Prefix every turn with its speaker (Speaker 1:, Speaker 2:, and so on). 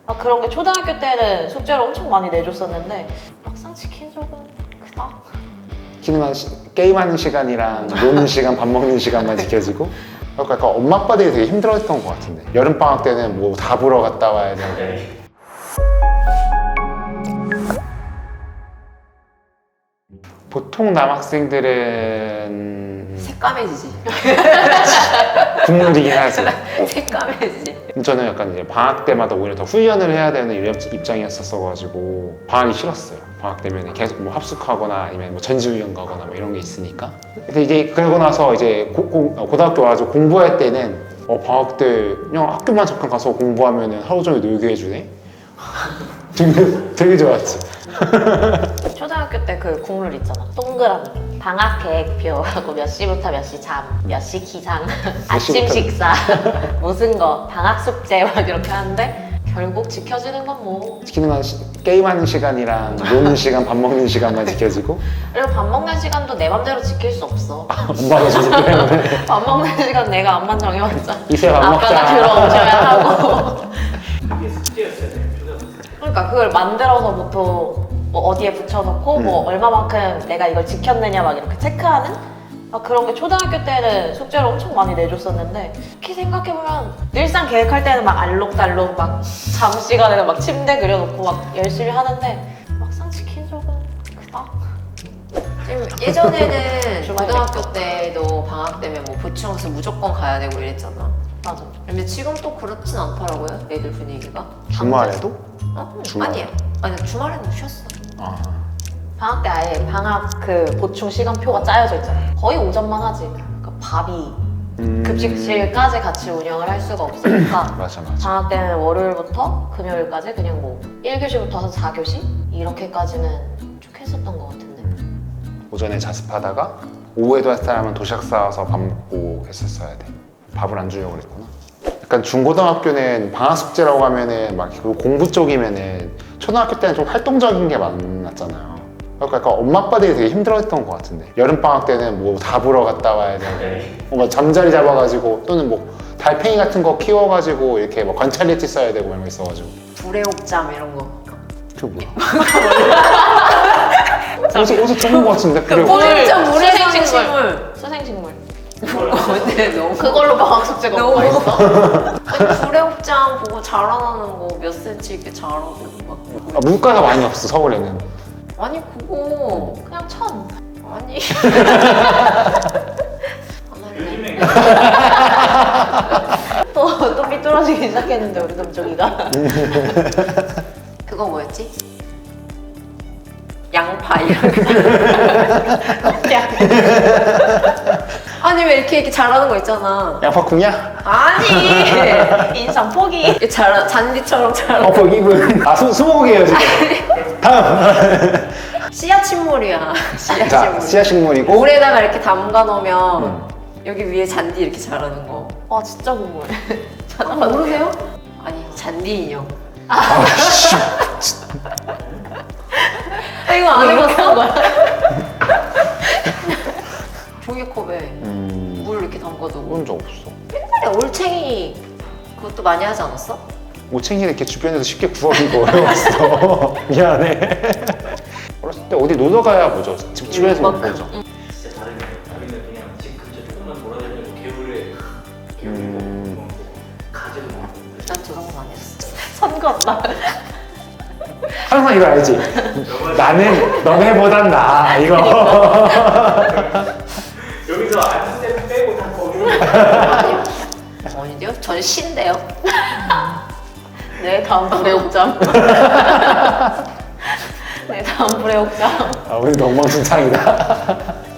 Speaker 1: 그런 게 초등학교 때는 숙제를 엄청 많이 내줬었는데 막상 지킨 적은 크다.
Speaker 2: 게임하는 시간이랑 노는 시간, 밥 먹는 시간만 지켜지고 약간 엄마 아빠들이 되게 힘들어했던 것 같은데 여름방학 때는 뭐 다 보러 갔다 와야 되고 보통 남학생들은
Speaker 3: 새까매지지.
Speaker 2: 국룰이긴 하지.
Speaker 3: 새까매지.
Speaker 2: 저는 약간 이제 방학 때마다 오히려 더 훈련을 해야 되는 입장이었어가지고 방학이 싫었어요. 방학 되면 계속 뭐 합숙하거나 아니면 뭐 전지훈련 가거나 뭐 이런 게 있으니까. 근데 이제 그러고 나서 이제 고등학교 와서 공부할 때는 방학 때 그냥 학교만 잠깐 가서 공부하면은 하루 종일 놀게 해주네. 되게 좋았지.
Speaker 1: 초등학교 때 그 국룰 있잖아. 동그라미. 방학 계획표하고 몇 시부터 몇 시 잠, 몇 시 기상, 아침 식사, 무슨 거, 방학 숙제 막 이렇게 하는데 결국 지켜지는 건 뭐.
Speaker 2: 게임하는 시간이랑 노는 시간, 밥 먹는 시간만 지켜지고
Speaker 1: 그리고 밥 먹는 시간도 내 맘대로 지킬 수 없어.
Speaker 2: 엄마가 주기 때문에
Speaker 1: 밥 먹는 시간 내가 암만 정해봤자
Speaker 2: 이제 밥 먹자.
Speaker 1: 아빠가 들어오셔야 하고.
Speaker 4: 그게 숙제였어야 돼요, 초등학생.
Speaker 1: 그러니까 그걸 만들어서부터 뭐 어디에 붙여놓고 뭐 얼마만큼 내가 이걸 지켰느냐 막 이렇게 체크하는 그런 게 초등학교 때는 숙제를 엄청 많이 내줬었는데 이렇게 생각해보면 늘상 계획할 때는 막 알록달록 막 잠 시간에는 막 침대 그려놓고 막 열심히 하는데 막상 지킨 적은 크다.
Speaker 3: 지금 예전에는
Speaker 1: 주말에
Speaker 3: 고등학교 때도 방학 때면 뭐 보충학습 무조건 가야 되고 이랬잖아.
Speaker 1: 맞아.
Speaker 3: 근데 지금 또 그렇진 않더라고요. 애들 분위기가.
Speaker 2: 주말에도? 주말?
Speaker 3: 아니에요. 아니 주말에는 쉬었어.
Speaker 2: 아.
Speaker 1: 방학 때 아예 방학 그 보충 시간표가 짜여져 있잖아. 거의 오전만 하지. 그러니까 밥이 급식실까지 같이 운영을 할 수가 없으니까
Speaker 2: 맞아.
Speaker 1: 방학 때는 월요일부터 금요일까지 그냥 뭐 1교시부터 해서 4교시? 이렇게까지는 쭉 했었던 것 같은데.
Speaker 2: 오전에 자습하다가 오후에도 할 사람은 도시락 싸와서 밥 먹고 했었어야 돼. 밥을 안 주려고 그랬구나. 약간 중고등학교는 방학 숙제라고 하면은 막 공부 쪽이면은 초등학교 때는 좀 활동적인 게 많았잖아요. 그러니까 약간 엄마 아빠들이 되게 힘들어했던 것 같은데 여름방학 때는 뭐 다 보러 갔다 와야 되고 뭐 잠자리 잡아가지고 또는 뭐 달팽이 같은 거 키워가지고 이렇게 뭐 관찰리티 써야 되고 이런 거 있어가지고
Speaker 3: 불의옥잠 이런 거.
Speaker 2: 그게 뭐야? 어디서 들은 것 같은데 그래.
Speaker 3: 불의옥잠
Speaker 1: 수생식물.
Speaker 3: 물에사는
Speaker 1: 수생식물.
Speaker 3: 근데 너무
Speaker 1: 그걸로 방학 숙제가
Speaker 3: 너무
Speaker 1: 뭐가 있어?
Speaker 3: 아니, 불의옥잠 보고 자라나는 거 몇 센치 이렇게 자라고 막.
Speaker 2: 물가가 많이 없어 서울에는.
Speaker 3: 아니 그거
Speaker 1: 그냥 천.
Speaker 3: 아니.
Speaker 4: 요즘에
Speaker 1: 또 삐뚤어지기 시작했는데 우리 금쪽이가.
Speaker 3: 그거 뭐였지? 양파 이런 거. 아니 왜 이렇게 자라는 거 있잖아.
Speaker 2: 양파쿵이야?
Speaker 3: 아니
Speaker 1: 인상 포기.
Speaker 3: 이렇게 잔디처럼 자라.
Speaker 2: 이분. 스무고개예요 지금. 다음.
Speaker 3: 씨앗 식물이야. 씨앗
Speaker 2: 자,
Speaker 3: 식물.
Speaker 2: 씨앗 식물이고.
Speaker 3: 물에다가 이렇게 담가 놓으면 여기 위에 잔디 이렇게 자라는 거.
Speaker 1: 와 진짜 궁금해.
Speaker 3: 모르세요? 아니 잔디 인형.
Speaker 2: 아씨.
Speaker 3: 이거 안 해봤어?
Speaker 1: 거야?
Speaker 3: 종이컵에 물 이렇게 담가두고.
Speaker 2: 그런 적 없어.
Speaker 3: 옛날에 올챙이 그것도 많이 하지 않았어?
Speaker 2: 오챙이는 이렇게 주변에서 쉽게 구하기가 어려웠어. 미안해. 어렸을 때 어디 놀러 가야 보죠. 집 주변에서 못 보죠.
Speaker 4: 진짜 다르네. 우리는 그냥 집 근처 조금만 돌아다니고 개울에 먹고 가지를 먹고.
Speaker 3: 난 저런 거 안 했어.
Speaker 1: 선 같다.
Speaker 2: 항상 이거 알지? 나는 너네보단 나아 이거.
Speaker 4: 여기서 안스텝 빼고 다 거기로.
Speaker 3: 아닌데요? 전 신데요.
Speaker 1: 네 다음 불의옥잠. 네 다음 불의옥잠.
Speaker 2: 아, 우리 엉망진창이다.